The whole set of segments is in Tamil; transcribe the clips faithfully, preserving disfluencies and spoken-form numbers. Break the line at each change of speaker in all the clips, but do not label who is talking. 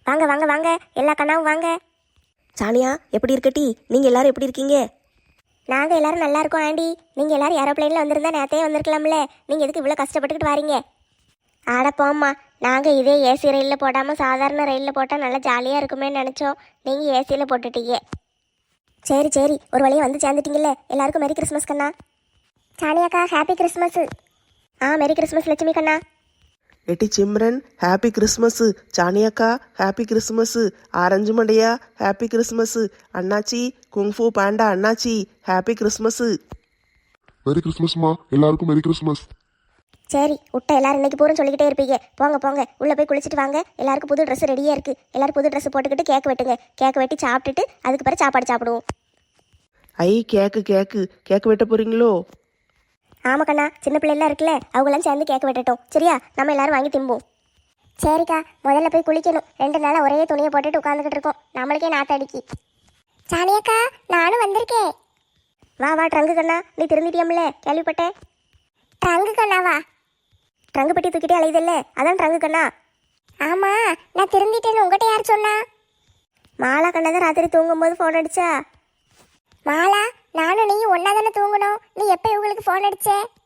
வாங்க வாங்க வாங்க எல்லா கண்ணாவும் வாங்க.
சானியா எப்படி இருக்கட்டி? நீங்கள் எல்லாரும் எப்படி இருக்கீங்க?
நாங்கள் எல்லாரும் நல்லா இருக்கோம் ஆண்டி. நீங்கள் எல்லாரும் ஏரோப்ளைனில் வந்திருந்தா நேரத்தையே வந்திருக்கலாம்ல. நீங்கள் எதுக்கு இவ்வளோ கஷ்டப்பட்டுக்கிட்டு வாரீங்க? ஆட போம்மா, நாங்கள் இதே ஏசி ரயிலில் போடாமல் சாதாரண ரயிலில் போட்டால் நல்லா ஜாலியாக இருக்குமேன்னு நினச்சோம். நீங்கள் ஏசியில் போட்டுட்டீங்க. சரி சரி, ஒரு வழியாக வந்து சேர்ந்துட்டீங்கல்ல. எல்லாருக்கும் மெரி கிறிஸ்மஸ் கண்ணா. சானியாக்கா ஹாப்பி கிறிஸ்மஸ். ஆ மெரி கிறிஸ்மஸ் லட்சுமி கண்ணா.
எட்டி சிம்ரன் ஹாப்பி கிறிஸ்மஸ். சானியாக்கா ஹாப்பி கிறிஸ்மஸ். ஆரஞ்சு மண்டையா ஹாப்பி கிறிஸ்மஸ். அண்ணாச்சி குங்ஃபூ பாண்டா அண்ணாச்சி ஹாப்பி கிறிஸ்மஸ்.
மெரி கிறிஸ்மஸ்மா, எல்லாருக்கும் மெரி கிறிஸ்மஸ்.
சரி விட்ட எல்லாரும் இன்னைக்கு பூரம் சொல்லிக்கிட்டே இருப்பீங்க. போங்க போங்க உள்ளே போய் குளிச்சுட்டு வாங்க. எல்லாருக்கும் புது ட்ரெஸ் ரெடியாக இருக்குது. எல்லாரும் புது ட்ரெஸ் போட்டுக்கிட்டு கேக் வெட்டுங்க. கேக் வெட்டி சாப்பிட்டுட்டு அதுக்கு பிறகு சாப்பாடு சாப்பிடுவோம்.
ஐ கேக்கு கேக்கு கேக்கு வெட்ட போறீங்களோ?
ஆமா கண்ணா, சின்ன பிள்ளைலாம் இருக்குல்ல, அவங்களாம் சேர்ந்து கேக் வெட்டட்டும். சரியா? நம்ம எல்லாரும் வாங்கி திம்போம். சரிக்கா, முதல்ல போய் குளிக்கணும். ரெண்டு நாளாக ஒரே துணியை போட்டுட்டு உட்காந்துக்கிட்டு இருக்கோம். நம்மளுக்கே நாத்தடிக்கி. சானியாக்கா நானும் வந்திருக்கேன். வா வா ட்ரங்கு கண்ணா, நீ திரும்பிட்டியம்ல கேள்விப்பட்டேன். ட்ரங்கு கண்ணாவா? ட்ரங்கு பெட்டி தூக்கிட்டே அலையுதில்ல, அதான் ட்ரங்கு கண்ணா. ஆமா, நான் திரும்பிட்டேன்னு உங்கள்கிட்ட யார் சொன்னா? மாலா கண்ணா தான் ராத்திரி தூங்கும்போது ஃபோன் அடிச்சா. மாலா, நானும் நீயும் ஒன்னா தானே தூங்கணும். நீ எப்போ இவங்களுக்கு ஃபோன் அடிச்ச?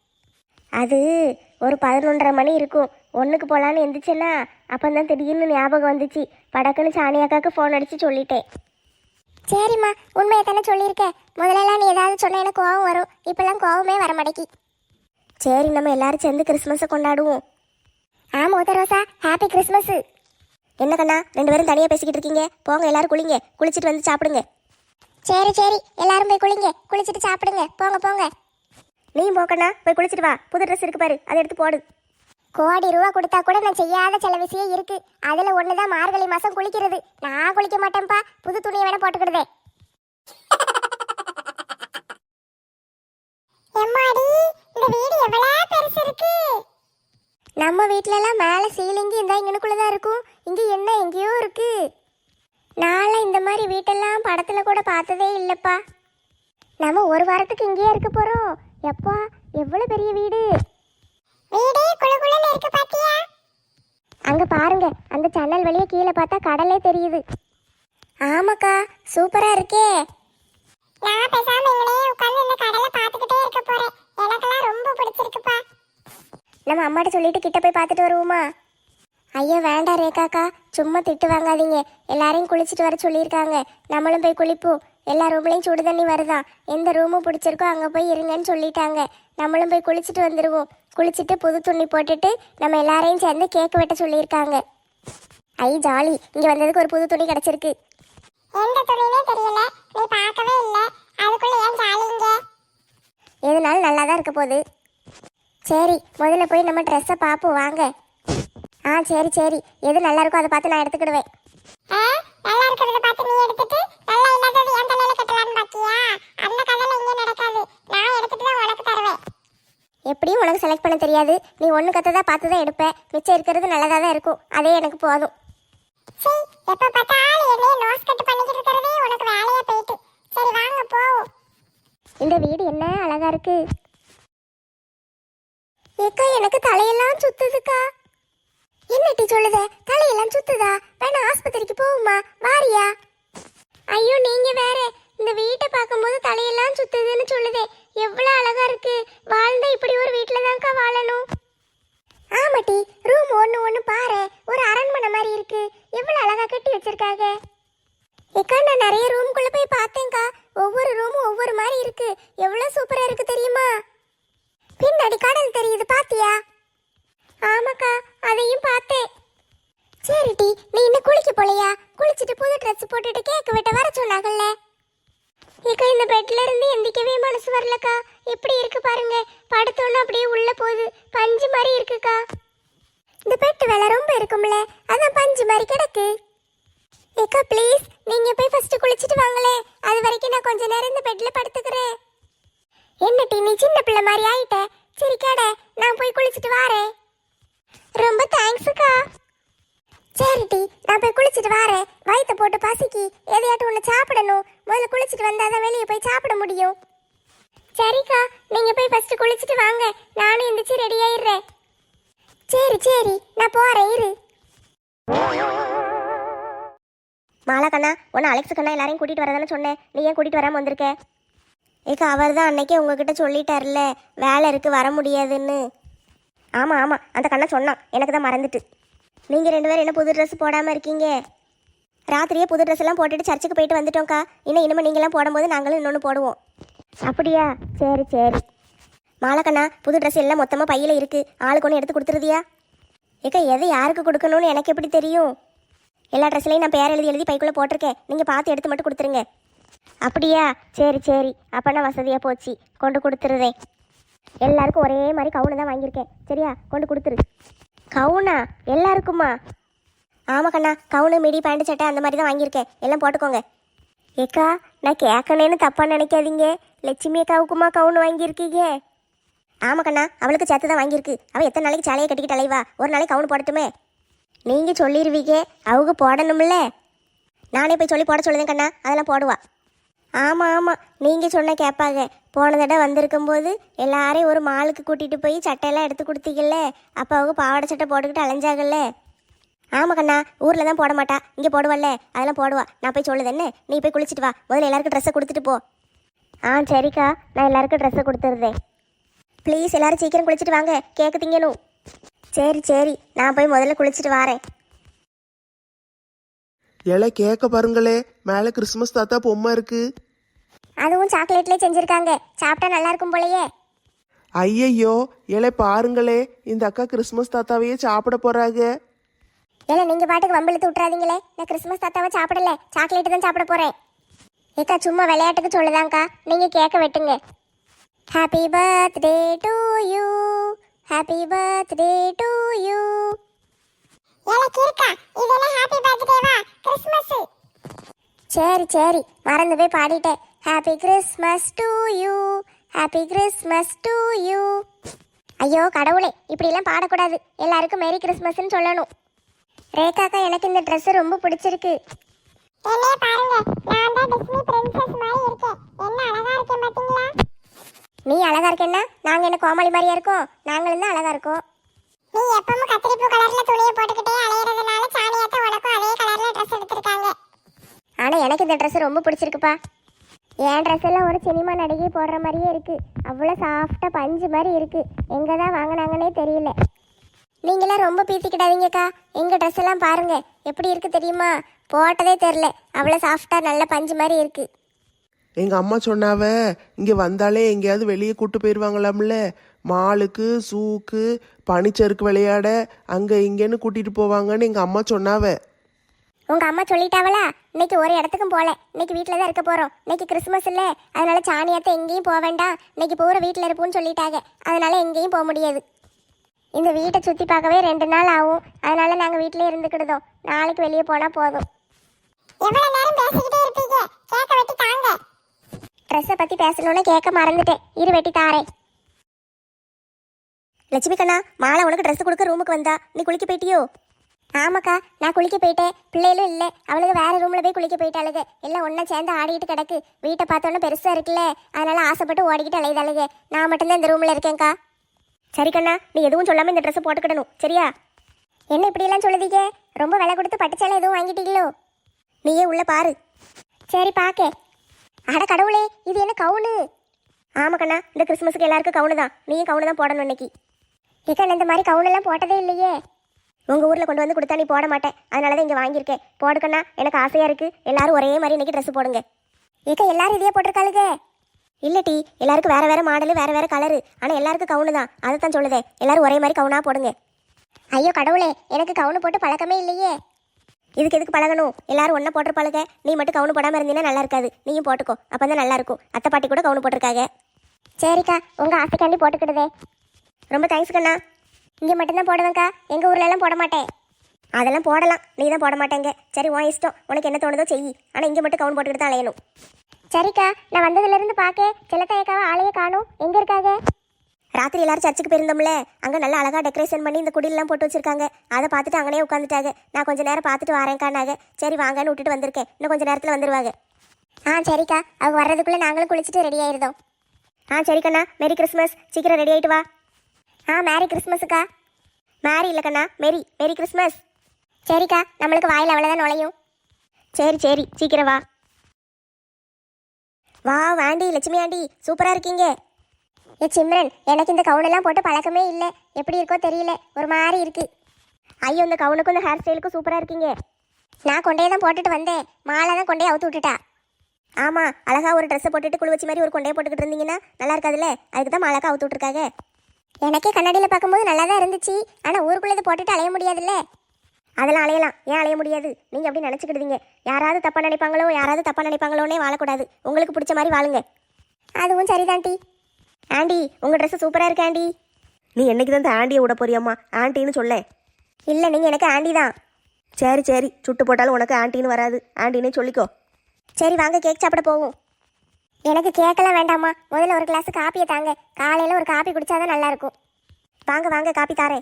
அது ஒரு பதினொன்றரை மணி இருக்கும். ஒன்றுக்கு போகலான்னு எந்திரிச்சேன்னா அப்போ தான் திடீர்னு ஞாபகம் வந்துச்சு. படக்குன்னு சாணியாக்காவுக்கு ஃபோன் அடித்து சொல்லிட்டேன். சரிம்மா, உண்மையை தானே சொல்லியிருக்கேன். முதலெல்லாம் நீ ஏதாவது சொன்ன எனக்கு கோவம் வரும். இப்போல்லாம் கோவமே வர மாட்டேக்கி. சரி, நம்ம எல்லாரும் சேர்ந்து கிறிஸ்மஸை கொண்டாடுவோம். ஆமாம் உதரோசா, ஹாப்பி கிறிஸ்மஸ். என்ன கண்ணா ரெண்டு பேரும் தனியாக பேசிக்கிட்டு இருக்கீங்க? போங்க எல்லாரும் குளிங்க, குளிச்சுட்டு வந்து சாப்பிடுங்க. சரி சரி, எல்லாரும் போய் குளிங்க, குளிச்சுட்டு சாப்பிடுங்க. போங்க போங்க. நீயும் போக்கண்ணா, போய் குளிச்சுட்டு வா. புது ட்ரெஸ் இருக்கு பாரு, அதை எடுத்து போடு. கோடி ரூபா கொடுத்தா கூட நான் செய்யாத சில விஷயம் இருக்கு. அதுல ஒண்ணுதான் மார்கழி மாசம் குளிக்கிறது. நான் குளிக்க மாட்டேன்ப்பா, புது துணியை வேணா போட்டுக்கிடுதே. இந்த வீடு எவ்வளவு பெருசு இருக்கு. நம்ம வீட்ல எல்லாம் மேல சீலிங்கி இந்த இங்கனுக்குள்ளதான் இருக்கும். இங்க என்ன எங்கேயோ இருக்கு. நாளை இந்த மாதிரி வீட்டெல்லாம் படத்துல கூட பார்த்ததே இல்லப்பா. நம்ம ஒரு வாரத்துக்கு இங்கேயே இருக்க போறோம். எப்பா எவ்வளவு பெரிய வீடு. வீடே குளுகுளுன்னு இருக்கு பாத்தியா? அங்க பாருங்க, அந்த ஜன்னல் வழியா கீழே பார்த்தா கடலே தெரியுது. ஆமாக்கா, சூப்பரா இருக்கே. நான் பேசாம இங்கனே உட்கார்ந்து இந்த கடலை பார்த்துக்கிட்டே இருக்க போறேன். எனக்கெல்லாம் ரொம்ப பிடிச்சிருக்குப்பா. நம்ம அம்மாட்ட சொல்லிட்டு கிட்ட போய் பார்த்துட்டு வருவோமா? ஐயோ வேண்டாம் ரேகாக்கா, சும்மா திட்டு வாங்காதீங்க. எல்லாரையும் குளிச்சுட்டு வர சொல்லியிருக்காங்க. நம்மளும் போய் குளிப்போம். எல்லா ரூம்லையும் சுடு தண்ணி வருதான். எந்த ரூமும் பிடிச்சிருக்கோ அங்கே போய் இருங்கன்னு சொல்லிட்டாங்க. நம்மளும் போய் குளிச்சுட்டு வந்துடுவோம். குளிச்சுட்டு புது துணி போட்டுட்டு நம்ம எல்லாரையும் சேர்ந்து கேக் வெட்ட சொல்லியிருக்காங்க. ஐ ஜாலி, இங்கே வந்ததுக்கு ஒரு புது துணி கிடச்சிருக்கு. எந்த துணினே தெரியல, நீ பார்க்கவே இல்லை. அதுக்குள்ள ஏன் ஜாலிங்க? எதுனாலும் நல்லா தான் இருக்க போகுது. சரி, முதல்ல போய் நம்ம ட்ரெஸ்ஸை பார்ப்போம் வாங்க. ஆ சரி சரி, எது நல்லா இருக்கோ அதை பார்த்து நான் எடுத்துக்கிடுவேன். நல்லா இருக்கிறத பார்த்து நீ எடுத்துட்டு நல்லா இல்லாதது என் தலையில கட்டலாம்னு பாக்கியா? அந்த கதையில இங்க நடக்காது. நான் எடுத்துட்டு தான் உனக்கு தருவேன். எப்படியும் உனக்கு செலக்ட் பண்ண தெரியாது. நீ ஒன்று கத்ததா பார்த்து தான் எடுப்ப. மிச்சம் இருக்கிறது நல்லதாக தான் இருக்கும். அதே எனக்கு போதும். சரி, எப்போ பார்த்தாலும் என்னைய நோஸ் கட் பண்ணிக்கிட்டு இருக்கிறதே உனக்கு வேலையா போயிட்டு. சரி வாங்க போவோம். இந்த வீடு என்ன அழகா இருக்கு. ஏக்கா எனக்கு தலையெல்லாம் சுத்துதுக்கா. என்னட்டி சொல்லுத? தலையெல்லாம் சுத்துதா? வேணா ஆஸ்பத்திரிக்கு போகுமா? வாரியா? ஐயோ நீங்க வேற, இந்த வீட்டை பார்க்கும்போது தலையெல்லாம் சுத்துதுன்னு சொல்லுதே. எவ்வளவு அழகா இருக்கு. வாழ்ந்தா இப்படி ஒரு வீட்டுல தான்க்கா வாழணும். ஆமாட்டி, ரூம் ஒண்ணு ஒண்ணு பாரு, ஒரு அரண்மனை மாதிரி இருக்கு. எவ்வளவு அழகா கட்டி வச்சிருக்காங்க. ஏக்கா நான் நிறைய ரூம்குள்ள போய் பார்த்தேன்க்கா. ஒவ்வொரு ரூமும் ஒவ்வொரு மாதிரி இருக்கு. எவ்வளவு சூப்பரா இருக்கு தெரியுமா? பின்னாடி கடல் தெரியுது பாத்தியா? ஆமாக்கா, அதையும் பார்த்தேன். சரிடி, நீ இன்னும் குளிக்க போலையா? குளிச்சுட்டு புது ட்ரெஸ் போட்டுட்டு கேக் வெட்ட வர சொன்னாங்கல்ல. ஏக்கா இந்த பெட்ல இருந்து எந்திக்கவே மனசு வரலக்கா. எப்படி இருக்கு பாருங்க. படுத்தோன்னு அப்படியே உள்ள போகுது. பஞ்சு மாதிரி இருக்குக்கா. இந்த பெட்டு வேலை ரொம்ப இருக்கும்ல, அதான் பஞ்சு மாதிரி கிடக்கு. ஏக்கா ப்ளீஸ், நீங்க போய் ஃபர்ஸ்ட் குளிச்சுட்டு வாங்களே. அது வரைக்கும் நான் கொஞ்ச நேரம் இந்த பெட்ல படுத்துக்கிறேன். என்னட்டி நீ சின்ன பிள்ளை மாதிரி ஆயிட்ட. சரி கேட, நான் போய் குளிச்சுட்டு வாரேன். ரொம்ப தேங்க்ஸுக்கா. சரிட்டி, நான் போய் குளிச்சுட்டு வாரேன். வயிற்ற போட்டு பசிக்கி எதையாட்டும் ஒன்று சாப்பிடணும். முதல்ல குளிச்சுட்டு வந்தாதான் வெளியே போய் சாப்பிட முடியும். சரிக்கா, நீங்க போய் ஃபர்ஸ்ட் குளிச்சுட்டு வாங்க. நானும் எந்திரிச்சு ரெடி ஆயிடுறேன். சரி சரி, நான் போறேன் இரு. கண்ணா உன்னை அலெக்ஸ் கண்ணா எல்லாரையும் கூட்டிகிட்டு வரதானே சொன்னேன், நீ ஏன் கூட்டிகிட்டு வராமல் வந்திருக்க? ஏக்கா அவர் தான் அன்னைக்கே உங்ககிட்ட சொல்லிட்டார்ல வேலை இருக்குது வர முடியாதுன்னு. ஆமாம் ஆமாம் அந்த கண்ணா சொன்னான், எனக்கு தான் மறந்துட்டு. நீங்கள் ரெண்டு பேரும் என்ன புது ட்ரெஸ் போடாமல் இருக்கீங்க? ராத்திரியே புது ட்ரெஸ் எல்லாம் போட்டுட்டு சர்ச்சுக்கு போயிட்டு வந்துட்டோம்க்கா. இன்னும் இனிமேல் நீங்களாம் போடும்போது நாங்களும் இன்னொன்று போடுவோம். அப்படியா? சரி சரி. மாலக்கண்ணா புது ட்ரெஸ் எல்லாம் மொத்தமாக பையில் இருக்குது, ஆளுக்கு ஒன்று எடுத்து கொடுத்துருதியா? ஏக்கா எதை யாருக்கு கொடுக்கணும்னு எனக்கு எப்படி தெரியும்? எல்லா ட்ரெஸ்லையும் நான் பேர் எழுதி எழுதி பைக்குள்ளே போட்டிருக்கேன், நீங்கள் பார்த்து எடுத்து மட்டும் கொடுத்துருங்க. அப்படியா? சரி சரி, அப்போனா வசதியாக போச்சு, கொண்டு கொடுத்துருதேன். எல்லாருக்கும் ஒரே மாதிரி கவுனு தான் வாங்கியிருக்கேன், சரியா? கொண்டு கொடுத்துரு. கவுனா எல்லாருக்குமா? ஆமாம் கண்ணா, கவுனு மிடி பேண்ட் சட்டை அந்த மாதிரி தான் வாங்கியிருக்கேன், எல்லாம் போட்டுக்கோங்க. ஏக்கா நான் கேட்கணேன்னு தப்பாக நினைக்காதீங்க, லட்சுமி அக்காவுக்குமா கவுனு வாங்கியிருக்கீங்க? ஆமாம் கண்ணா, அவளுக்கு சேர்த்து தான் வாங்கியிருக்கு. அவள் எத்தனை நாளைக்கு சாலையை கட்டிக்கிட்டு அலைவா, ஒரு நாளைக்கு கவுனு போடட்டுமே. நீங்கள் சொல்லிடுவீங்க, அவங்க போடணும்ல. நானே போய் சொல்லி போட சொல்லுதேன் கண்ணா, அதெல்லாம் போடுவா. ஆமாம் ஆமாம், நீங்கள் சொன்னால் கேட்பாங்க. போன தடவை வந்திருக்கும்போது எல்லாரையும் ஒரு மாலுக்கு கூட்டிகிட்டு போய் சட்டையெல்லாம் எடுத்து கொடுத்தீங்கல்ல, அப்போ அவங்க பாவாடை சட்டை போட்டுக்கிட்டு அலைஞ்சாகல்ல. ஆமாம் கண்ணா, ஊரில் தான் போட மாட்டா, இங்கே போடுவல்ல, அதெல்லாம் போடுவா. நான் போய் சொல்லுதேன்னு, நீ போய் குளிச்சுட்டு வா, முதல்ல எல்லாருக்கும் ட்ரெஸ்ஸை கொடுத்துட்டு போ. ஆ சரிக்கா, நான் எல்லாருக்கும் ட்ரெஸ்ஸை கொடுத்துருதேன். ப்ளீஸ் எல்லாரும் சீக்கிரம் குளிச்சுட்டு வாங்க, கேக்கு திங்கணும். சரி சரி, நான் போய் முதல்ல குளிச்சுட்டு வரேன்.
இலை கேட்க பாருங்களே, மேலே கிறிஸ்மஸ் தாத்தா பொம்மை இருக்கு.
அதுவும் சாக்லேட்லேயே செஞ்சுருக்காங்க, சாப்பிட்டா நல்லா இருக்கும் போலயே.
ஐயையோ இலை பாருங்களே, இந்த அக்கா கிறிஸ்மஸ் தாத்தாவையே சாப்பிட போறாங்க.
ஏன்னா நீங்கள் பாட்டுக்கு வம்பிழுத்து விட்றாதீங்களே, நான் கிறிஸ்மஸ் தாத்தாவை சாப்பிடல, சாக்லேட்டு தான் சாப்பிட போகிறேன். ஏக்கா சும்மா விளையாட்டுக்கு சொல்லுதாங்க்கா, நீங்கள் கேட்க வெட்டுங்க. Happy birthday to you, happy birthday to you. சரி சரி, மறந்து போய் பாடிட்டேன். Happy Christmas to you, happy Christmas to you. ஐயோ கடவுளே, இப்படிலாம் பாடக்கூடாது, எல்லாருக்கும் மேரி கிறிஸ்மஸ்ன்னு சொல்லணும். ரேகாக்கா எனக்கு இந்த ட்ரெஸ் ரொம்ப பிடிச்சிருக்கு. என்னைய பாருங்க, நான் தான் டிஸ்னி பிரின்சஸ் மாதிரி இருக்கேன். என்ன அழகா இருக்கேன் பாத்தீங்களா? நீ அழகா இருக்கேன்னா நாங்க என்ன கோமாளி மாதிரியா இருக்கோம்? நாங்களும் தான் அழகா இருக்கோம். நீ எப்பவும் கத்திரிப்பூ கலர்ல துணியை போட்டுக்கிட்டே அலையறதுனால சாணியாத்த உனக்கும் அதே கலர்ல ட்ரெஸ் எடுத்திருக்காங்க. ஆனா எனக்கு இந்த ட்ரெஸ் ரொம்ப பிடிச்சிருக்குப்பா. என் ட்ரெஸ் எல்லாம் ஒரு சினிமா நடிகை போடுற மாதிரியே இருக்கு, அவ்வளோ சாஃப்டா பஞ்சு மாதிரி இருக்கு. எங்க தான் வாங்கினாங்கன்னே தெரியல. நீங்களாம் ரொம்ப பீத்திக்கிடாதீங்கக்கா, எங்கள் ட்ரெஸ் எல்லாம் பாருங்க எப்படி இருக்கு தெரியுமா? போட்டதே தெரில, அவ்வளோ சாஃப்டா நல்ல பஞ்சு மாதிரி இருக்கு.
எங்கள் அம்மா சொன்னாவ இங்கே வந்தாலே எங்கேயாவது வெளியே கூட்டு போயிடுவாங்களாம்ல, மாலுக்கு சூக்கு பனிச்சறுக்கு விளையாட அங்கே இங்கேன்னு கூட்டிகிட்டு போவாங்கன்னு எங்கள் அம்மா சொன்னாவ.
உங்கள் அம்மா சொல்லிட்டாவளா? இன்னைக்கு ஒரு இடத்துக்கும் போகல, இன்னைக்கு வீட்டில் தான் இருக்க போகிறோம். இன்னைக்கு கிறிஸ்மஸ் இல்லை, அதனால சாணியாத்த எங்கேயும் போக வேண்டாம், இன்னைக்கு பூரா வீட்டில் இருப்போம்னு சொல்லிட்டாங்க. அதனால எங்கேயும் போக முடியாது. இந்த வீட்டை சுற்றி பார்க்கவே ரெண்டு நாள் ஆகும், அதனால நாங்கள் வீட்டிலே இருந்துக்கிடுதோம். நாளைக்கு வெளியே போனால் போதும். எவ்வளோ நேரம் பேசிக்கிட்டே இருப்பீங்க, கேட்க வெட்டி தாங்க. ட்ரெஸ்ஸை பற்றி பேசணும்னு கேட்க மறந்துட்டேன், இரு வெட்டி தாரேன். லட்சுமி கண்ணா, மாலை உனக்கு ட்ரெஸ் கொடுக்க ரூமுக்கு வந்தா, நீ குளிக்க போயிட்டியோ? ஆமாக்கா, நான் குளிக்க போயிட்டேன். பிள்ளைகளும் இல்லை, அவளுக்கு வேற ரூமில் போய் குளிக்க போயிட்டாளுங்க. எல்லாம் ஒன்றா சேர்ந்து ஆடிட்டு கிடக்கு. வீட்டை பார்த்தோன்னே பெருசாக இருக்குல்ல, அதனால ஆசைப்பட்டு ஓடிக்கிட்டு அலையுதாளுங்க. நான் மட்டும்தான் இந்த ரூமில் இருக்கேன்க்கா. சரி கண்ணா, நீ எதுவும் சொல்லாமல் இந்த ட்ரெஸ்ஸை போட்டுக்கிடணும், சரியா? என்ன இப்படியெல்லாம் சொல்லுதீங்க? ரொம்ப விலை கொடுத்து பட்டுச்சாலை எதுவும் வாங்கிட்டீங்களோ? நீயே உள்ள பாரு. சரி பார்க்க. அட கடவுளே, இது என்ன கவுனு? ஆமாம் கண்ணா, இந்த கிறிஸ்மஸுக்கு எல்லாருக்கும் கவுனு தான், நீயும் கவுனு தான் போடணும் இன்னைக்கு. ஏக்கா இந்த மாதிரி கவுனெல்லாம் போட்டதே இல்லையே. உங்கள் ஊரில் கொண்டு வந்து கொடுத்தா நீ போட மாட்டேன், அதனால தான் இங்கே வாங்கியிருக்கேன். போடுக்கண்ணா, எனக்கு ஆசையாக இருக்குது. எல்லாரும் ஒரே மாதிரி இன்னைக்கு ட்ரெஸ் போடுங்க. ஏக்கா எல்லாரும் இதையே போட்டிருக்காளுங்க. இல்லை டி, எல்லாருக்கும் வேறு வேறு மாடலு வேறு வேறு கலரு, ஆனால் எல்லாருக்கும் கவுனு தான், அதை தான் சொல்லுதே. எல்லாரும் ஒரே மாதிரி கவுனாக போடுங்க. ஐயோ கடவுளே, எனக்கு கவுனு போட்டு பழக்கமே இல்லையே. இதுக்கு எதுக்கு பழகணும்? எல்லாரும் ஒன்றா போட்டிருப்பாளுங்க, நீ மட்டும் கவுனு போடாமல் இருந்தீங்கன்னா நல்லா இருக்காது. நீயும் போட்டுக்கோ, அப்போ தான் நல்லா இருக்கும். அத்தை பாட்டி கூட கவுனு போட்டிருக்காங்க. சரிக்கா, உங்கள் ஆசைக்காண்டி போட்டுக்கிடுதே. ரொம்ப தேங்க்ஸ் கண்ணா. இங்கே மட்டும்தான் போடுவேங்க்கா, எங்கள் ஊர்லெல்லாம் போட மாட்டேன். அதெல்லாம் போடலாம், நீ தான் போட மாட்டேங்க. சரி உன் இஷ்டம், உனக்கு என்ன தோணுதோ செய். ஆனால் இங்கே மட்டும் கவுன் போட்டுக்கிட்டு தான் அலையணும். சரிக்கா, நான் வந்ததுலேருந்து பார்க்க செல்லத்தாயக்காவை ஆளையே காணும். எங்கே இருக்காங்க? ராத்திரி எல்லாரும் சர்ச்சுக்கு போயிருந்தோம்ல, அங்கே நல்லா அழகாக டெக்கரேஷன் பண்ணி இந்த குடிலெலாம் போட்டு வச்சிருக்காங்க. அதை பார்த்துட்டு அங்கனே உட்காந்துட்டாங்க. நான் கொஞ்சம் நேரம் பார்த்துட்டு வரேன்க்கானாங்க. சரி வாங்கன்னு விட்டுட்டு வந்திருக்கேன், இன்னும் கொஞ்சம் நேரத்தில் வந்துடுவாங்க. ஆ சரிக்கா, அவங்க வர்றதுக்குள்ளே நாங்களும் குளிச்சுட்டு ரெடி ஆயிருந்தோம். ஆ சரிக்கண்ணா, மேரி கிறிஸ்மஸ். சீக்கிரம் ரெடி ஆகிட்டு வா. ஆ மேரி கிறிஸ்மஸுக்கா. மேரி இல்லை கண்ணா, மேரி மேரி கிறிஸ்மஸ். சரிக்கா, நம்மளுக்கு வாயில் அவ்வளோதான் நுழையும். சரி சரி சீக்கிரம் வா. வா வாண்டி லட்சுமி ஆண்டி சூப்பரா இருக்கீங்க. ஏ சிம்ரன், எனக்கு இந்த கவுனெல்லாம் போட்டு பழக்கமே இல்லை, எப்படி இருக்கோ தெரியல, ஒரு மாதிரி இருக்கு. ஐயோ, இந்த கவுனுக்கும் இந்த ஹேர் ஸ்டைலுக்கும் சூப்பரா இருக்கீங்க. நான் கொண்டையை தான் போட்டுட்டு வந்தேன், மாலை தான் கொண்டையை அவுத்து விட்டுட்டா. ஆமா, அழகா ஒரு ட்ரெஸ்ஸை போட்டுட்டு குழு வச்சு மாதிரி ஒரு கொண்டையை போட்டுக்கிட்டு இருந்தீங்கன்னா நல்லா இருக்காதுல்ல, அதுக்கு தான் மாலைக்கா அவுத்து விட்டுருக்காங்க. எனக்கே கண்ணாடியில் பார்க்கும்போது நல்லா தான் இருந்துச்சு, ஆனால் ஊருக்குள்ளே இதை போட்டுட்டு அலைய முடியாதுல்ல. அதெல்லாம் அலையலாம், ஏன் அலைய முடியாது? நீங்கள் அப்படி நினச்சிக்கிடுவீங்க. யாராவது தப்பாக நினைப்பாங்களோ யாராவது தப்பாக நினைப்பாங்களோன்னே வாழக்கூடாது, உங்களுக்கு பிடிச்ச மாதிரி வாழுங்க. அதுவும் சரிதான்டி. ஆண்டி, உங்கள் ட்ரெஸ்ஸு சூப்பராக இருக்கு ஆண்டி.
நீ என்னைக்கு தான் இந்த ஆண்டியை விட போறியாம்மா? ஆண்டின்னு சொல்ல.
இல்லை, நீங்கள் எனக்கு ஆண்டி தான்.
சரி சரி, சுட்டு போட்டாலும் உனக்கு ஆண்டின்னு வராது, ஆண்டினே சொல்லிக்கோ.
சரி வாங்க, கேக் சாப்பிட போவோம். எனக்கு கேக்கெல்லாம் வேண்டாமா, முதல்ல ஒரு கிளாஸ் காப்பியை தாங்க, காலையில் ஒரு காப்பி குடிச்சாதான் நல்லா இருக்கும். வாங்க வாங்க, காப்பி தாரேன்.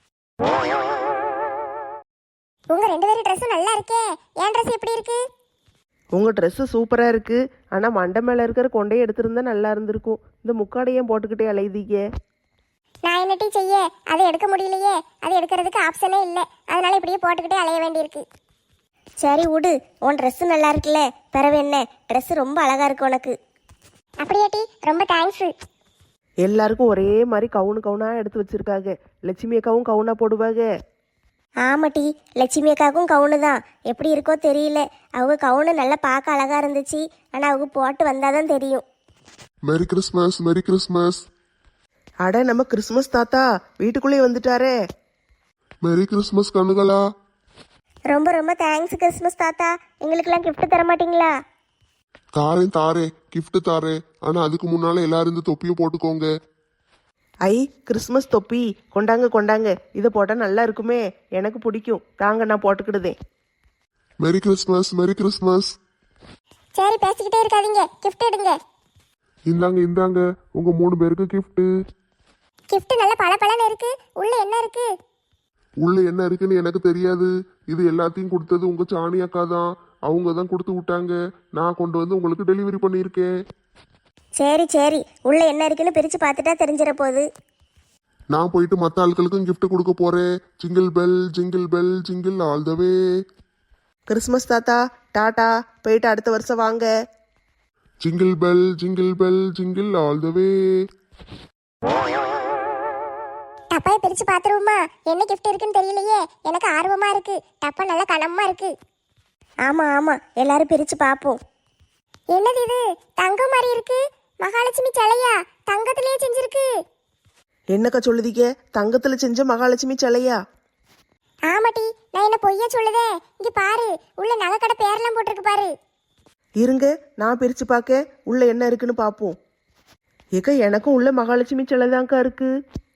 உங்க ரெண்டு பேரும் ட்ரெஸ்ஸும் நல்லா இருக்கே, என் ட்ரெஸ் எப்படி இருக்கு?
உங்கள் ட்ரெஸ்ஸு சூப்பராக இருக்குது, ஆனால் மண்டை மேலே இருக்கிற கொண்டையை எடுத்திருந்தா நல்லா இருந்திருக்கும். இந்த முக்காடையும் போட்டுக்கிட்டே அலைதீங்க.
நான் என்னட்டி செய்ய, அதை எடுக்க முடியலையே, அது எடுக்கிறதுக்கு ஆப்ஷனே இல்லை, அதனால இப்படியே போட்டுக்கிட்டே அலைய வேண்டியிருக்கு. சரி விடு, உன் ட்ரெஸ்ஸு நல்லா இருக்குல்ல, பிறவு என்ன, ட்ரெஸ்ஸு ரொம்ப அழகா இருக்கு உனக்கு. அப்படியாட்டி, ரொம்ப தேங்க்ஸு.
எல்லாருக்கும் ஒரே மாதிரி கவுனு கவுனாக எடுத்து வச்சிருக்காங்க. லட்சுமி அக்காவும் கவுனாக போடுவாங்க.
ஆமாட்டி, லட்சுமி அக்காவுக்கும் கவுனு தான், எப்படி இருக்கோ தெரியல. அவங்க கவுனு நல்லா பார்க்க அழகா இருந்துச்சு, ஆனால் அவங்க போட்டு வந்தாதான் தெரியும்.
Merry Christmas, merry Christmas.
அட, நம்ம கிறிஸ்மஸ் தாத்தா வீட்டுக்குள்ளேயே வந்துட்டாரே.
Merry Christmas கண்ணுகளா.
ரொம்ப ரொம்ப தேங்க்ஸ் கிறிஸ்மஸ் தாத்தா, எங்களுக்கெல்லாம் gift தர மாட்டீங்களா?
தாரேன் தாரேன், கிஃப்ட் தாரேன். ஆனா அதுக்கு முன்னால எல்லாரும் இந்த தொப்பியை போட்டுக்கோங்க.
ஐ, கிறிஸ்மஸ் தொப்பி கொண்டாங்க கொண்டாங்க, இதை போட்டால் நல்லா இருக்குமே, எனக்கு பிடிக்கும், தாங்க நான் போட்டுக்கிடுதேன்.
மேரி கிறிஸ்மஸ், மேரி கிறிஸ்மஸ்.
சரி பேசிக்கிட்டே இருக்காதீங்க, gift எடுங்க.
இந்தாங்க இந்தாங்க, உங்க மூணு பேருக்கு gift.
gift நல்ல பளபளன்னு இருக்கு, உள்ள என்ன இருக்கு?
உள்ள என்ன இருக்குன்னு எனக்கு தெரியாது. இது எல்லாத்தையும் கொடுத்தது உங்க சாணி அக்கா தான். அவங்க தான் கொடுத்து விட்டாங்க. நான் கொண்டு வந்து உங்களுக்கு டெலிவரி பண்ணியிருக்கேன்.
சரி சரி, உள்ள என்ன இருக்குன்னு பிரிச்சு பார்த்துட்டா தெரிஞ்சிட போகுது.
நான் போயிட்டு மற்ற ஆட்களுக்கும் gift கொடுக்க போறேன். Jingle bell jingle bell jingle all the way.
Christmas தாத்தா டாடா, போயிட்டு அடுத்த வருஷம் வாங்க.
Jingle bell jingle bell jingle all the way.
டப்பாயை பிரிச்சு பார்த்துருவோமா, என்ன gift இருக்குன்னு தெரியலையே, எனக்கு ஆர்வமா இருக்கு. டப்பா நல்லா கனமா இருக்கு. ஆமா ஆமா, எல்லாரும் பிரிச்சு பார்ப்போம். என்னது இது, தங்கம் மாதிரி இருக்கு, மகாலட்சுமி சிலையா? தங்கத்திலேயே செஞ்சிருக்கு.
என்னக்கா சொல்லுதீங்க, தங்கத்தில் செஞ்ச மகாலட்சுமி சிலையா?
ஆமாட்டி, நான் என்ன பொய்யா சொல்லுதே, இங்க பாரு, உள்ள நகைக்கடை பேரெல்லாம் போட்டிருக்கு பாரு.
இருங்க, நான் பிரித்து பார்க்க உள்ள என்ன இருக்குன்னு பார்ப்போம். ஏக்கா, எனக்கும் உள்ள மகாலட்சுமி சிலை தான்க்கா இருக்கு.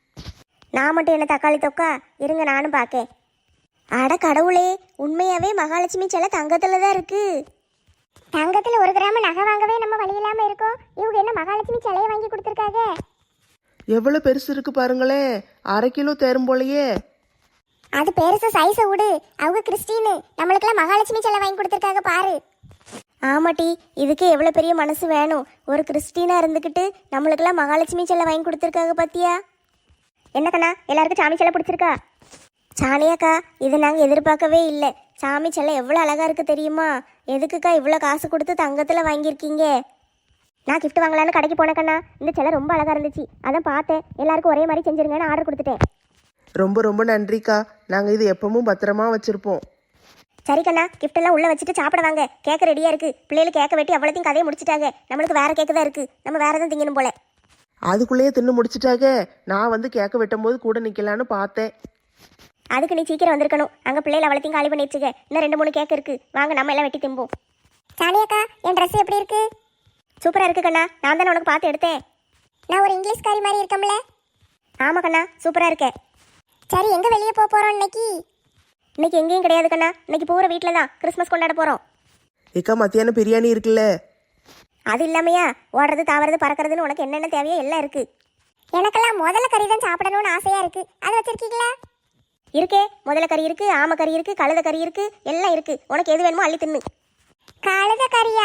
நான் மட்டும் என்ன தக்காளி தொக்கா, இருங்க நானும் பார்க்கேன். அட கடவுளே, உண்மையாவே மகாலட்சுமி சிலை தங்கத்துல தான் இருக்கு. தங்கத்துல ஒரு கிராம் நகை வாங்கவே நம்ம வழி இல்லாம இருக்கோம், இவங்க என்ன மகாலட்சுமி சிலையை வாங்கி கொடுத்துருக்காங்க.
எவ்வளோ பெருசு இருக்கு பாருங்களேன், அரை கிலோ தேரும் போலயே.
அது பெருசு சைஸை விடு, அவங்க கிறிஸ்டின்னு, நம்மளுக்கெல்லாம் மகாலட்சுமி சிலை வாங்கி கொடுத்துருக்காங்க பாரு. ஆமாட்டி, இதுக்கு எவ்வளோ பெரிய மனசு வேணும், ஒரு கிறிஸ்டினா இருந்துக்கிட்டு நம்மளுக்கெல்லாம் மகாலட்சுமி சிலை வாங்கி கொடுத்துருக்காங்க பாத்தியா. என்ன கண்ணா, எல்லாருக்கும் சாமி சிலை பிடிச்சிருக்கா? சாணியாக்கா, இது நாங்கள் எதிர்பார்க்கவே இல்லை. சாமி சிலை எவ்வளோ அழகா இருக்கு தெரியுமா? எதுக்குக்கா இவ்வளோ காசு கொடுத்து தங்கத்தில் வாங்கியிருக்கீங்க? நான் கிஃப்ட் வாங்கலான்னு கடைக்கு போனேக்கண்ணா, இந்த சிலை ரொம்ப அழகா இருந்துச்சு, அதான் பார்த்தேன், எல்லாருக்கும் ஒரே மாதிரி செஞ்சிருங்கன்னு ஆர்டர் கொடுத்துட்டேன்.
ரொம்ப ரொம்ப நன்றிக்கா, நாங்கள் இது எப்பவும் பத்திரமா வச்சுருப்போம்.
சரி கண்ணா, கிஃப்ட் எல்லாம் உள்ள வச்சுட்டு சாப்பிட வாங்க, கேக்க ரெடியா இருக்கு. பிள்ளைகள் கேக்க வெட்டி அவ்வளோத்தையும் கதையை முடிச்சிட்டாங்க, நம்மளுக்கு வேற கேக்கு தான் இருக்கு, நம்ம வேற எதுவும் திங்கணும் போல.
அதுக்குள்ளேயே தின்னு முடிச்சிட்டாங்க. நான் வந்து கேட்க வெட்டும் போது கூட நிற்கலான்னு பார்த்தேன்.
அதுக்கு நீ சீக்கிரம் வந்திருக்கணும், அங்கே பிள்ளைகள் அவ்வளோத்தையும் காலி பண்ணி வச்சுக்க. இன்னும் ரெண்டு மூணு கேக் இருக்கு, வாங்க நம்ம எல்லாம் வெட்டி திம்போம். சாணியாக்கா, என் ட்ரெஸ் எப்படி இருக்கு? சூப்பராக இருக்கு கண்ணா, நான் தானே உனக்கு பார்த்து எடுத்தேன். நான் ஒரு இங்கிலீஷ்காரி மாதிரி இருக்கம்ல? ஆமாம் கண்ணா, சூப்பராக இருக்கேன். சரி, எங்கே வெளியே போக போகிறோம் இன்னைக்கு? இன்னைக்கு எங்கேயும் கிடையாது கண்ணா, இன்னைக்கு பூரா வீட்டில் தான் கிறிஸ்மஸ் கொண்டாட போகிறோம்.
ஏக்கா, மத்தியானம் பிரியாணி இருக்குல்ல?
அது இல்லாமையா, ஓடுறது தாவறது பறக்கிறதுன்னு உனக்கு என்னென்ன தேவையோ எல்லாம் இருக்கு. எனக்கெல்லாம் முதல்ல கறி தான் சாப்பிடணும்னு ஆசையாக இருக்கு, அது வச்சிருக்கீங்களா? இருக்கே, முதல்ல கறி இருக்கு, ஆம கறி இருக்கு, கழுத கறி இருக்கு, எல்லாம் இருக்கு, உனக்கு எது வேணுமோ அள்ளி தின்னு. கழுத கறியா?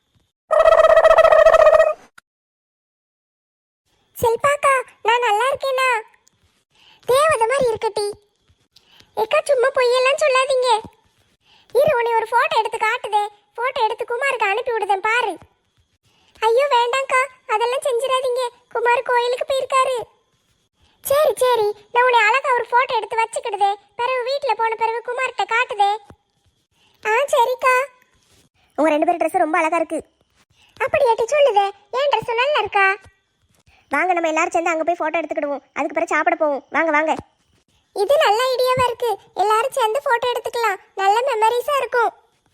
செல்பாக்கா, நான் நல்லா இருக்கேனா? தேவதை மாதிரி இருக்கட்டி. ஏக்கா, சும்மா பொய்யெல்லாம் சொல்லாதீங்க. இரு உன்னை ஒரு போட்டோ எடுத்து காட்டுதே. போட்டோ எடுத்து குமாருக்கு அனுப்பி விடுதேன் பாரு. ஐயோ வேண்டாம்க்கா, அதெல்லாம் செஞ்சிடாதீங்க. குமார் கோயிலுக்கு போயிருக்காரு. சரி சரி, நான் உன்னை அழகா ஒரு போட்டோ எடுத்து வச்சுக்கிடுதே. பிறகு வீட்டுல போன பிறகு குமார்கிட்ட காட்டுதே. ஆ சரிக்கா.
உங்க ரெண்டு பேரும் ட்ரெஸ் ரொம்ப அழகா இருக்கு.
அப்படியாட்டி சொல்லுதே, ஏன் ட்ரெஸ் நல்லா இருக்கா?
வாங்க நம்ம எல்லாரும் சேர்ந்து அங்க போய் போட்டோ எடுத்துக்கிடுவோம். அதுக்கு பிறகு சாப்பிட போவோம். வாங்க வாங்க.
இது நல்ல ஐடியாவா இருக்கு. எல்லாரும் சேர்ந்து போட்டோ எடுத்துக்கலாம். நல்ல மெமரிஸா இருக்கும்.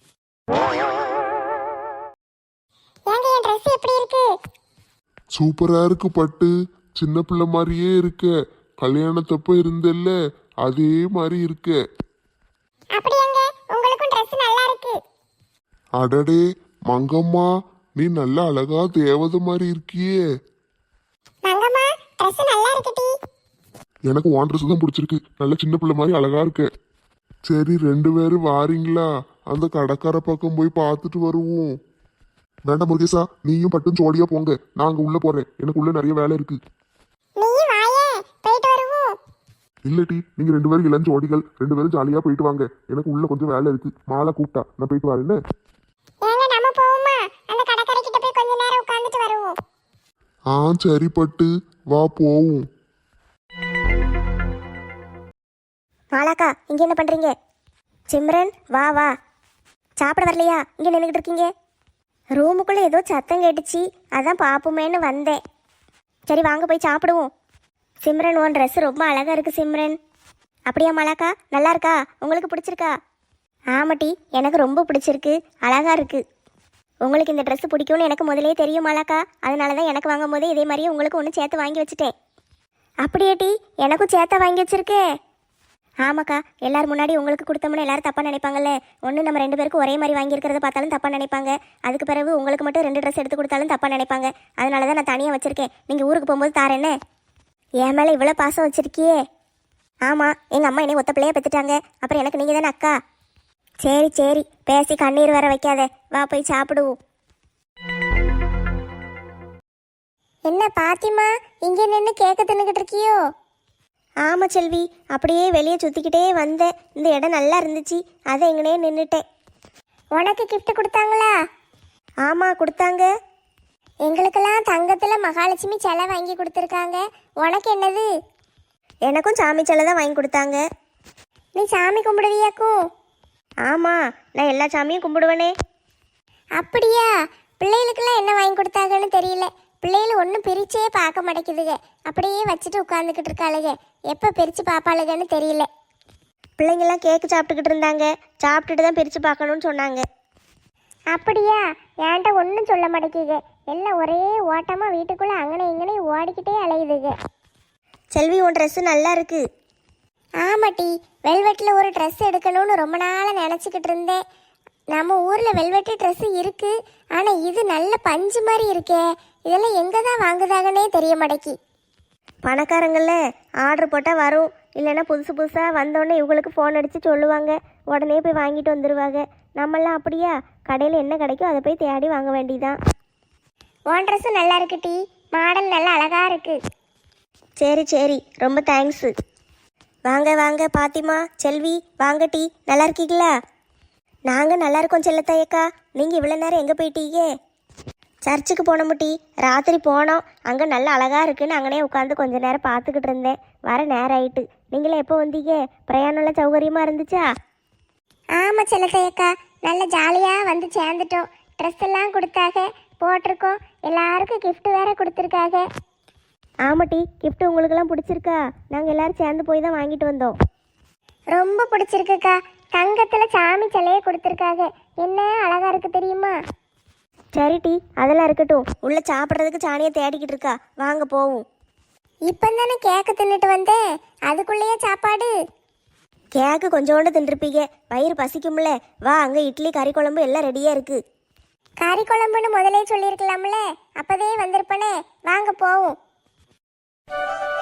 ஏங்க என் ட்ரெஸ் எப்படி இருக்கு?
சூப்பரா இருக்கு பட்டு. சின்ன பிள்ளை மாதிரியே இருக்க. கல்யாணத்தப்ப இருந்தல்ல அதே மாதிரி இருக்க.
அப்படியாங்க, உங்களுக்கும் ட்ரெஸ் நல்லா இருக்கு.
அடடே மங்கம்மா, நீ நல்ல அழகா தேவதை மாதிரி இருக்கியே.
மங்கம்மா ட்ரெஸ் நல்லா இருக்குடி.
எனக்கு உன் ட்ரெஸ் தான் பிடிச்சிருக்கு. நல்ல சின்ன பிள்ளை மாதிரி அழகா இருக்க. சரி ரெண்டு பேரும் வாரீங்களா? அந்த கடைக்கார பக்கம் போய் பார்த்துட்டு வருவோம். வேண்டாம் முருகேசா, நீயும் பட்டும் ஜோடியா போங்க. நான் அங்க உள்ள போறேன். எனக்கு உள்ள நிறைய வேலை இருக்கு.
நீ வாயே, போயிட்டு வருவோம்.
இல்லட்டி நீங்க ரெண்டு பேரும் இளம் ஜோடிகள், ரெண்டு பேரும் ஜாலியா போயிட்டு வாங்க. எனக்கு உள்ள கொஞ்சம் வேலை இருக்கு. மாலை கூப்பிட்டா நான் போயிட்டு வரேன்னு.
ஏங்க நம்ம போவோமா? அந்த கடைக்கார கிட்ட போய் கொஞ்ச நேரம் உட்கார்ந்துட்டு வருவோம்.
ஆ சரி பட்டு, வா போவோம்.
மாலாக்கா, இங்க என்ன பண்றீங்க? சிம்ரன் வா வா. சாப்பிட வரலையா? இங்க நின்றுக்கிட்டு இருக்கீங்க. ரூமுக்குள்ள ஏதோ சத்தம் கேட்டுச்சு, அதான் பாப்போமேன்னு வந்தேன். சரி வாங்க போய் சாப்பிடுவோம். சிம்ரன் உன் ட்ரெஸ் ரொம்ப அழகா இருக்கு சிம்ரன். அப்படியா மாலாக்கா? நல்லா இருக்கா? உங்களுக்கு பிடிச்சிருக்கா? ஆமாட்டி, எனக்கு ரொம்ப பிடிச்சிருக்கு. அழகா இருக்கு. உங்களுக்கு இந்த ட்ரெஸ் பிடிக்கும்னு எனக்கு முதலே தெரியும் மாலாக்கா. அதனால தான் எனக்கு வாங்கும் போதே இதே மாதிரியே உங்களுக்கு ஒன்று சேர்த்து வாங்கி வச்சுட்டேன். அப்படியாட்டி, எனக்கும் சேர்த்த வாங்கி வச்சிருக்கே. ஆமாக்கா, எல்லாரும் முன்னாடி உங்களுக்கு கொடுத்தோம்னா எல்லாரும் தப்பாக நினைப்பாங்கல்ல. ஒன்று நம்ம ரெண்டு பேருக்கும் ஒரே மாதிரி வாங்கியிருக்கிறத பார்த்தாலும் தப்பாக நினைப்பாங்க. அதுக்கு பிறகு உங்களுக்கு மட்டும் ரெண்டு ட்ரெஸ் எடுத்து கொடுத்தாலும் தப்பாக நினைப்பாங்க. அதனால தான் நான் தனியாக வச்சுருக்கேன். நீங்கள் ஊருக்கு போகும்போது தாரேன்னு. என் மேலே இவ்வளோ பாசம் வச்சுருக்கியே. ஆமாம், எங்கள் அம்மா என்னை ஒத்த பிள்ளையாக பெற்றுட்டாங்க. அப்புறம் எனக்கு நீங்கள் தானே அக்கா. சரி சரி, பேசி கண்ணீர் வர வைக்காத. வா போய் சாப்பிடுவோம்.
என்ன பாத்திமா, இங்க நின்று கேக்க தின்னுக்கிட்டு இருக்கியோ?
ஆமாம் செல்வி, அப்படியே வெளியே சுற்றிக்கிட்டே வந்தேன். இந்த இடம் நல்லா இருந்துச்சு, அதை எங்கனே நின்றுட்டேன்.
உனக்கு கிஃப்ட் கொடுத்தாங்களா?
ஆமாம் கொடுத்தாங்க.
எங்களுக்கெல்லாம் தங்கத்தில் மகாலட்சுமி சிலை வாங்கி கொடுத்துருக்காங்க. உனக்கு என்னது?
எனக்கும் சாமி சிலை தான் வாங்கி கொடுத்தாங்க.
நீ சாமி கும்பிடுவியாக்கும்?
ஆமாம், நான் எல்லா சாமியும் கும்பிடுவேனே.
அப்படியா? பிள்ளைகளுக்கெல்லாம் என்ன வாங்கி கொடுத்தாங்கன்னு தெரியல. பிள்ளைகள் ஒன்றும் பிரிச்சே பார்க்க மாட்டேங்குதுங்க. அப்படியே வச்சுட்டு உட்காந்துக்கிட்டு இருக்காளுங்க. எப்போ பிரித்து பார்ப்பாளுங்கன்னு தெரியல.
பிள்ளைங்கள்லாம் கேக்கு சாப்பிட்டுக்கிட்டு இருந்தாங்க. சாப்பிட்டுட்டு தான் பிரித்து பார்க்கணுன்னு சொன்னாங்க.
அப்படியா? என்கிட்ட ஒன்றும் சொல்ல மாட்டேங்குது. எல்லாம் ஒரே ஓட்டமாக வீட்டுக்குள்ளே அங்கனே இங்கனே ஓடிக்கிட்டே அலையுதுங்க.
செல்வி உன் ட்ரெஸ்ஸு நல்லா இருக்கு.
ஆமாட்டி, வெல்வெட்டில் ஒரு ட்ரெஸ் எடுக்கணும்னு ரொம்ப நாளாக நினச்சிக்கிட்டு இருந்தேன். நம்ம ஊரில் வெல்வெட்டு ட்ரெஸ்ஸு இருக்குது. ஆனால் இது நல்ல பஞ்சு மாதிரி இருக்கே. இதெல்லாம் எங்கே தான் வாங்குதாங்கன்னே தெரிய மாட்டேக்கி.
பணக்காரங்கள ஆர்டர் போட்டால் வரும். இல்லைன்னா புதுசு புதுசாக வந்தோடனே இவங்களுக்கு ஃபோன் அடித்து சொல்லுவாங்க. உடனே போய் வாங்கிட்டு வந்துடுவாங்க. நம்மளாம் அப்படியா? கடையில் என்ன கிடைக்கோ அதை போய் தேடி வாங்க வேண்டியதான்.
உன் ட்ரெஸ்ஸு நல்லா இருக்கு டி. மாடல் நல்லா அழகாக இருக்குது.
சரி சரி, ரொம்ப தேங்க்ஸு. வாங்க வாங்க பாத்திமா, செல்வி வாங்க. டீ நல்லா இருக்கீங்களா? நாங்கள் நல்லா இருக்கோம் செல்லத்தாயக்கா. நீங்கள் இவ்வளோ நேரம் எங்கே போயிட்டீங்க? சர்ச்சுக்கு போனோம் டீ. ராத்திரி போனோம். அங்கே நல்லா அழகாக இருக்குன்னு அங்கனே உட்காந்து கொஞ்ச நேரம் பார்த்துக்கிட்டு இருந்தேன். வர நேரம் ஆயிட்டு. நீங்களே எப்போ வந்தீங்க? பிரயாணம்லாம் சௌகரியமாக இருந்துச்சா?
ஆமாம் செல்லத்தையக்கா, நல்ல ஜாலியாக வந்து சேர்ந்துட்டோம். ட்ரெஸ் எல்லாம் கொடுத்தாக, போட்டிருக்கோம். எல்லாருக்கும் gift வேற கொடுத்துருக்காங்க.
ஆமாட்டி, கிஃப்ட் உங்களுக்கெல்லாம் பிடிச்சிருக்கா? நாங்கள் எல்லாரும் சேர்ந்து போய் தான் வாங்கிட்டு வந்தோம்.
ரொம்ப பிடிச்சிருக்குக்கா. தங்கத்தில் சாமி சிலையே கொடுத்துருக்காங்க. என்ன அழகா இருக்கு தெரியுமா?
சரி டீ, அதெல்லாம் இருக்கட்டும். உள்ள சாப்பிட்றதுக்கு சாணியை தேடிக்கிட்டு இருக்கா. வாங்க போவோம்.
இப்போ தானே கேக்கு தின்னுட்டு வந்தேன், அதுக்குள்ளேயே சாப்பாடு?
கேக்கு கொஞ்சோண்டு தின்றுப்பீங்க, வயிறு பசிக்கும்ல. வா, அங்கே இட்லி கறி குழம்பு எல்லாம் ரெடியாக இருக்கு.
கறி குழம்புன்னு முதலே சொல்லியிருக்கலாம்ல, அப்போதே வந்திருப்பனே. வாங்க போவோம்.